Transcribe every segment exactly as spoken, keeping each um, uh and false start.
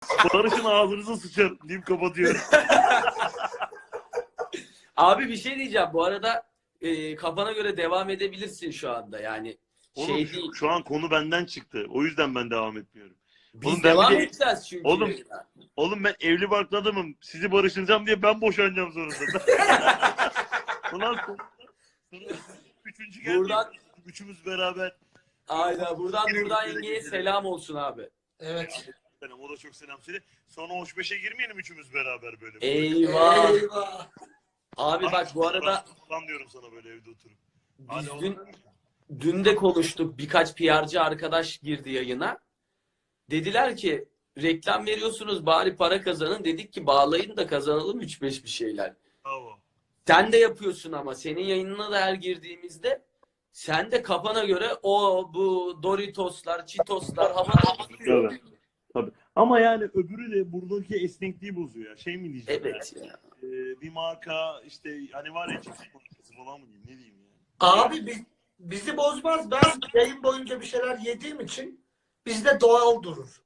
Barış'ın ağzınıza sıçar deyip kapatıyorum. Abi bir şey diyeceğim. Bu arada e, kafana göre devam edebilirsin şu anda. Yani Oğlum şey şu, değil. şu an konu benden çıktı. O yüzden ben devam etmiyorum. Biz Oğlum ben devam bir de- edeceğiz çünkü. Oğlum, yayına. oğlum ben evli barklı adamım. Sizi barıştıracağım diye ben boşanacağım sonunda. Ulan sonra, sonra üçüncü geldi. Buradan- Üçümüz beraber. Aynen. Buradan Nurdan yengeye selam olsun abi. Evet. Selam, o da çok selam söyle. Sonra hoş beşe girmeyelim üçümüz beraber böyle. Eyvah. Eyvah. Abi bak bu arada Ben diyorum sana böyle evde oturup. biz Hadi dün, oğlum. dün de konuştuk. Birkaç P R'cı arkadaş girdi yayına. Dediler ki reklam veriyorsunuz bari para kazanın. Dedik ki bağlayın da kazanalım üç beş bir şeyler. Bravo. Sen de yapıyorsun ama senin yayınına da her girdiğimizde sen de kafana göre o bu Doritoslar, Cheetoslar havada uçuyor. Tabii. Tabii. Ama yani öbürü de buradaki esnekliği bozuyor ya. Şey mi diyeceğim? Evet yani? ya. Ee, bir marka işte hani var ya cips markası falan mı diyeyim ne diyeyim yani. Abi biz, bizi bozmaz. Ben yayın boyunca bir şeyler yediğim için bizde doğal durur.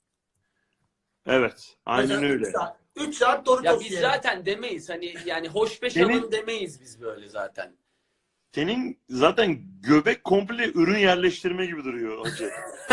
Evet. Aynen Mesela öyle. üç saat, üç saat Doritos Ya biz yiyelim. zaten demeyiz hani yani hoş beş Senin- alın demeyiz biz böyle zaten. Senin zaten göbek komple ürün yerleştirme gibi duruyor hacı.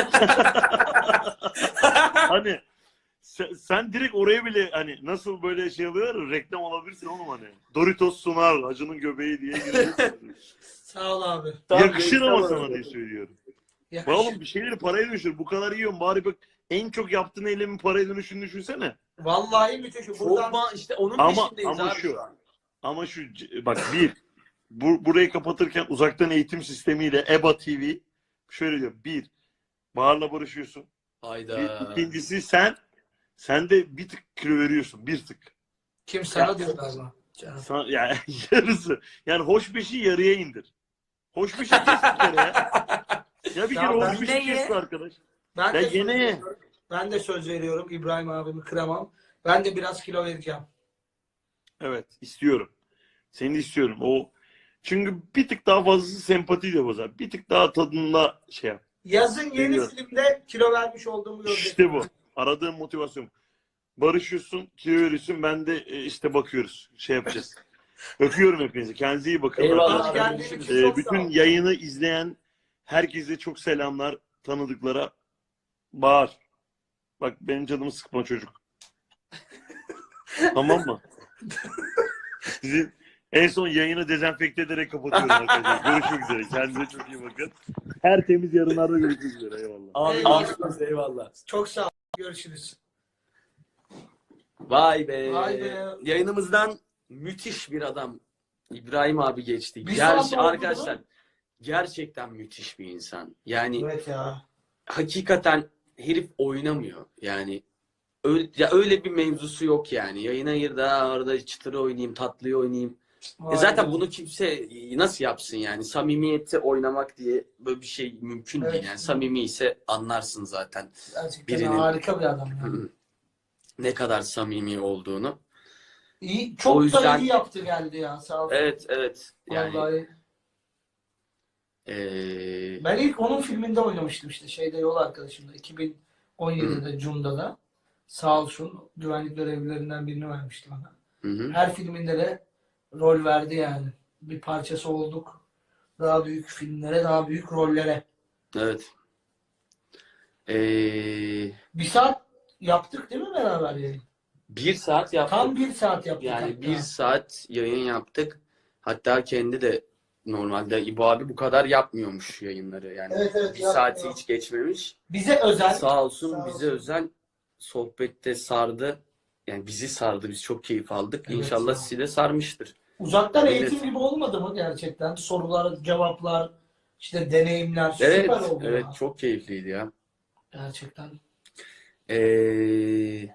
Hani sen, sen direkt oraya bile hani nasıl böyle şey alıyorlar reklam alabilirsin oğlum hani. Doritos sunar hacının göbeği diye giriyorsun. Sağ ol abi. Yakışır ama Tamam, sana diye söylüyorum. Bak Yakışır. oğlum bir şeyleri paraya dönüştür. Bu kadar yiyorsun bari bak en çok yaptığın eylemin paraya dönüşünü düşünsene. Vallahi müthiş. Çok Buradan ma- işte onun Ama- peşindeyiz ama abi şu- şu an. Ama şu bak bir bu, burayı kapatırken uzaktan eğitim sistemiyle E B A T V şöyle diyor. Bir Bahar'la barışıyorsun. Hayda. Bir, ikincisi sen sen de bir tık kilo veriyorsun. Bir tık. kim sana diyor galiba. Canım. Sana, yani yarısı. Yani hoş beşi yarıya indir. Hoş beşi kes bir kere ya. Ya bir Ya kere ben hoş beşi yine ye. kes be arkadaş. Ben Ya de söz gene ye. veriyorum. Ben de söz veriyorum. İbrahim abimi kıramam. Ben de biraz kilo vereceğim. Evet istiyorum. Seni istiyorum. O çünkü bir tık daha fazlası sempati de bozar. Bir tık daha tadında şey yap. Yazın yeni Biliyorum. filmde kilo vermiş olduğumu gördüm. İşte bu. Aradığım motivasyon. Barışıyorsun, kilo veriyorsun. Ben de e, işte bakıyoruz. Şey yapacağız. Öpüyorum hepinizi. Kendinize iyi bakın. Eyvallah. Abi Arkadaşlar. geldiğin Ee, için E, çok sağ bütün ol. yayını izleyen herkese çok selamlar. Tanıdıklara. Bağır. Bak benim canımı sıkma çocuk. Tamam mı? Sizi en son yayını dezenfekte ederek kapatıyorum arkadaşlar. Görüşmek üzere. Kendinize çok iyi bakın. Her temiz yarınlarda görüşmek üzere. Eyvallah. Abi Eyvallah. görüşürüz, eyvallah. Çok sağ ol. Görüşürüz. Vay be. Vay be. Yayınımızdan müthiş bir adam İbrahim abi geçti. Bir Gerçi saat oldu arkadaşlar gerçekten müthiş bir insan. Yani Evet ya. hakikaten herif oynamıyor. Yani öyle, ya öyle bir mevzusu yok yani. Yayına gir daha orada çıtırı oynayayım, tatlıyı oynayayım. E Vay zaten be. bunu kimse nasıl yapsın yani? Samimiyeti oynamak diye böyle bir şey mümkün Evet. değil yani. Samimi ise anlarsın zaten Gerçekten birinin- harika bir adam ya. ne kadar samimi olduğunu. İyi, çok O yüzden- da iyi yaptı geldi ya. Sağ ol. Evet, evet. Yani Vallahi. eee, Ben ilk onun filminde oynamıştım işte. Şeyde Yol Arkadaşımda. iki bin on yedide Cunda'da. Sağ olsun güvenlik görevlilerinden birini vermişti bana. hı hı. Her filminde de rol verdi yani. Bir parçası olduk. Daha büyük filmlere, daha büyük rollere. Evet. Eee, Bir saat yaptık değil mi beraber yayın? bir saat yaptık. Tam bir saat yaptık Yani hatta. bir saat yayın yaptık. Hatta kendi de normalde İbo abi bu kadar yapmıyormuş yayınları. Yani Evet, evet, bir yapmıyor. saati hiç geçmemiş. Bize özel. Sağ olsun Sağ bize olsun. özel sohbette sardı. Yani bizi sardı. Biz çok keyif aldık. Evet İnşallah ya. sizi de sarmıştır. Uzaktan Evet. eğitim gibi olmadı mı gerçekten? Sorular, cevaplar, işte deneyimler Evet, süper oldu evet ya. çok keyifliydi ya. Gerçekten. Ee,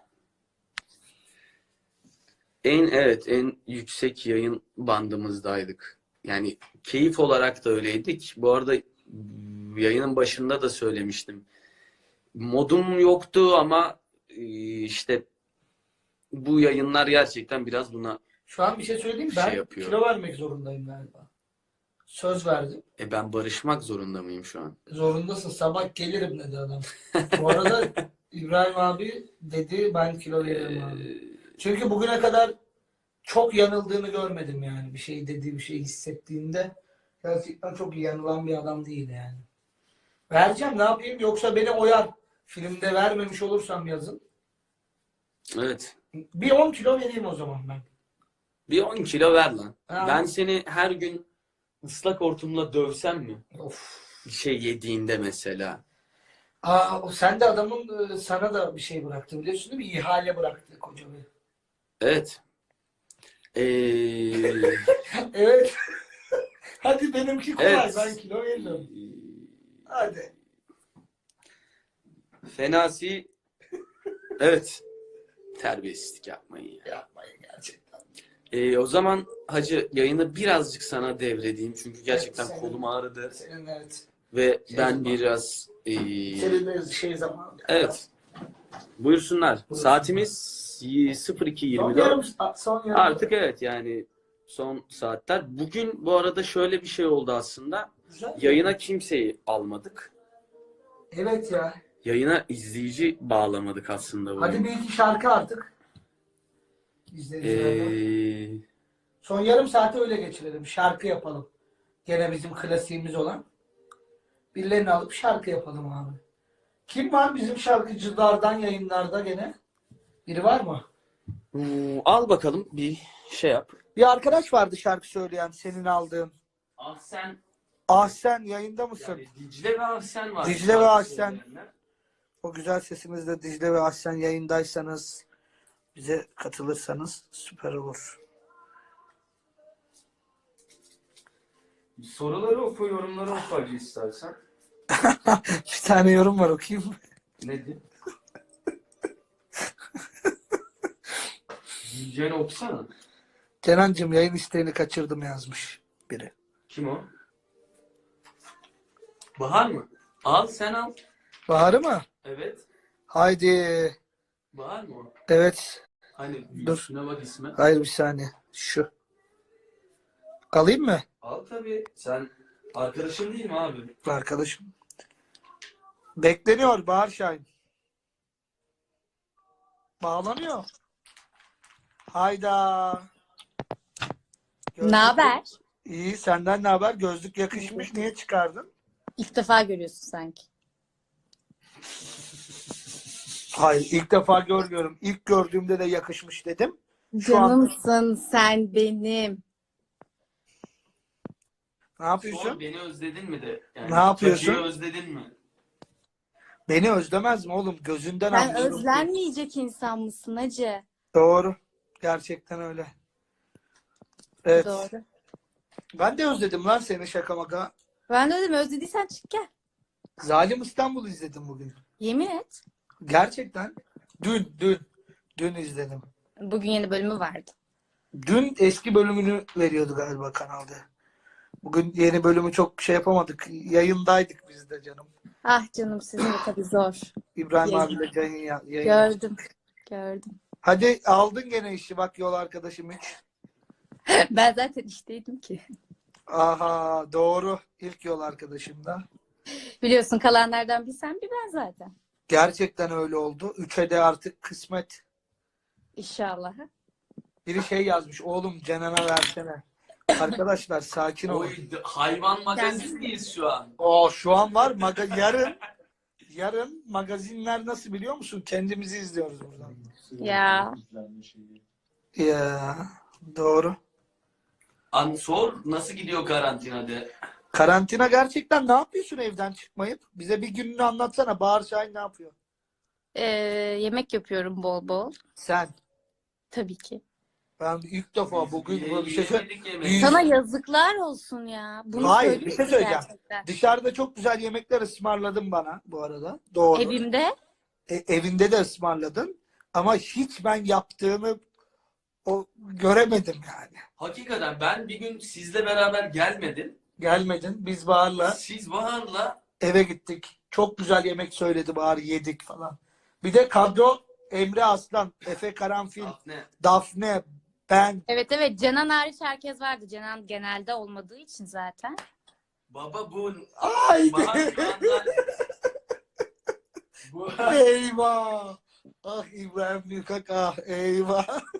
en evet en yüksek yayın bandımızdaydık. Yani keyif olarak da öyleydik. Bu arada yayının başında da söylemiştim. Modum yoktu ama e, işte bu yayınlar gerçekten biraz buna Şu an bir şey söyleyeyim mi? Şey Ben yapıyor. kilo vermek zorundayım galiba. Söz verdim. e ben barışmak zorunda mıyım şu an? Zorundasın. Sabah gelirim dedi adam. Bu arada İbrahim abi dedi ben kilo veririm Ee, abi. Çünkü bugüne kadar çok yanıldığını görmedim yani. Bir şey dediği bir şey hissettiğinde gerçekten çok iyi yanılan bir adam değil yani. Vereceğim ne yapayım yoksa beni oyar. Filmde vermemiş olursam yazın. evet. Bir on kilo vereyim o zaman ben. Bir on kilo ver lan. Ha. Ben seni her gün ıslak hortumla dövsem mi? Of. Bir şey yediğinde mesela. Aa, o sen de adamın e, sana da bir şey bıraktı biliyorsun değil mi? İhale bıraktı koca bir. Evet. Ee, Evet. Hadi benimki kolay. evet. Ben kilo veririm. Hadi. Fenasi. Evet. Terbiyesizlik yapmayın ya. Yapmayın gerçekten. Ee, o zaman hacı yayını birazcık sana devredeyim. Çünkü gerçekten Evet, senin- kolum ağrıdı. Senin evet. Ve Şey ben zaman. biraz... ee, Senin de şey zamanı. evet. Buyursunlar. Buyursunlar. Saatimiz sıfır iki Son yirmi yarım, dört. son yarım. Artık evet yani son saatler. Bugün bu arada şöyle bir şey oldu aslında. Güzel. Yayına kimseyi almadık. Evet ya. Yayına izleyici bağlamadık aslında bugün. Hadi bir iki şarkı artık. İzleyicilerden. Ee, Son yarım saati öyle geçirelim. Şarkı yapalım. Gene bizim klasiğimiz olan. Birilerini alıp şarkı yapalım abi. Kim var bizim şarkıcılardan yayınlarda gene? Biri var mı? hmm, al bakalım bir şey yap. Bir arkadaş vardı şarkı söyleyen senin aldığın. Ahsen, Ahsen yayında mısın? yani Dicle ve Ahsen var. Dicle ve Şarkı Ahsen. söyleyenler. O güzel sesinizle Dicle ve Ahsen yayındaysanız bize katılırsanız süper olur. Soruları oku, yorumları oku hacı istersen. Bir tane yorum var okuyayım mı? Nedir? Dicle'ni okusana. Kenancığım yayın isteğini kaçırdım yazmış biri. Kim o? Bahar mı? Al sen al. Bahar'ı mı? Evet. Haydi. Bahar mı o? Evet. Hani Dur. üstüne bak isme. Hayır bir saniye. Şu. Alayım mı? Al tabii. Sen arkadaşın değil mi abi? Arkadaşım. Bekleniyor Bahar Şahin. Bağlanıyor. Hayda. Gözlük- Ne haber? İyi senden ne haber? Gözlük yakışmış. Niye çıkardın? İlk defa görüyorsun sanki. Hayır ilk defa görmüyorum. İlk gördüğümde de yakışmış dedim. Şu an- Canımsın sen benim. Ne yapıyorsun? Sor, beni özledin mi de? Yani Ne yapıyorsun? Hacı'yı özledin mi? Beni özlemez mi oğlum? Gözünden Sen anlıyorum. özlenmeyecek insan mısın hacı? Doğru. Gerçekten öyle. Evet. Doğru. Ben de özledim lan seni şaka maka. Ben de dedim özlediysen çık gel. Zalim İstanbul izledim bugün. Yemin et. Gerçekten. Dün, dün. Dün izledim. Bugün yeni bölümü vardı. Dün eski bölümünü veriyordu galiba kanalda. Bugün yeni bölümü çok şey yapamadık. Yayındaydık biz de canım. Ah canım sizin de tabii zor. İbrahim Yayın. abiyle yayın, ya- yayın. Gördüm. Gördüm. Hadi aldın gene işi bak yol arkadaşım hiç. Ben zaten işteydim ki. Aha doğru. İlk yol arkadaşım da. Biliyorsun kalanlardan bir sen bir ben zaten. Gerçekten öyle oldu. Üçe de artık kısmet. İnşallah. Biri şey yazmış. Oğlum Cenan'a versene. Arkadaşlar sakin olun. Oy, hayvan magazindeyiz şu an. O şu an var. Maga yarın yarın magazinler nasıl biliyor musun? Kendimizi izliyoruz buradan. Ya. Ya doğru. An sor nasıl gidiyor karantina de. Karantina gerçekten ne yapıyorsun evden çıkmayıp? Bize bir gününü anlatsana. Bahar Şahin ne yapıyor? Ee, yemek yapıyorum bol bol. Sen. Tabii ki. Ben ilk defa bugün Biz böyle bir şey söyle- yemedik Biz- yemeği. Sana yazıklar olsun ya. Bunu Hayır, söyleyeyim bir şey mi söyleyeceğim. gerçekten? Dışarıda çok güzel yemekler ısmarladın bana bu arada. Doğru. Evimde E, evinde de ısmarladın. Ama hiç ben yaptığını o göremedim yani. Hakikaten ben bir gün sizle beraber gelmedim. Gelmedin. Biz Bahar'la Siz Bahar'la eve gittik. Çok güzel yemek söyledi Bahar. Yedik falan. Bir de kadro Emre Aslan, Efe Karanfil, ne? Dafne, ben. evet evet Cenan hariç herkes vardı. Cenan genelde olmadığı için zaten. Baba bu Haydi. Bahar şu anda Eyvah. Ah İbrahim Büyükak ah eyvah.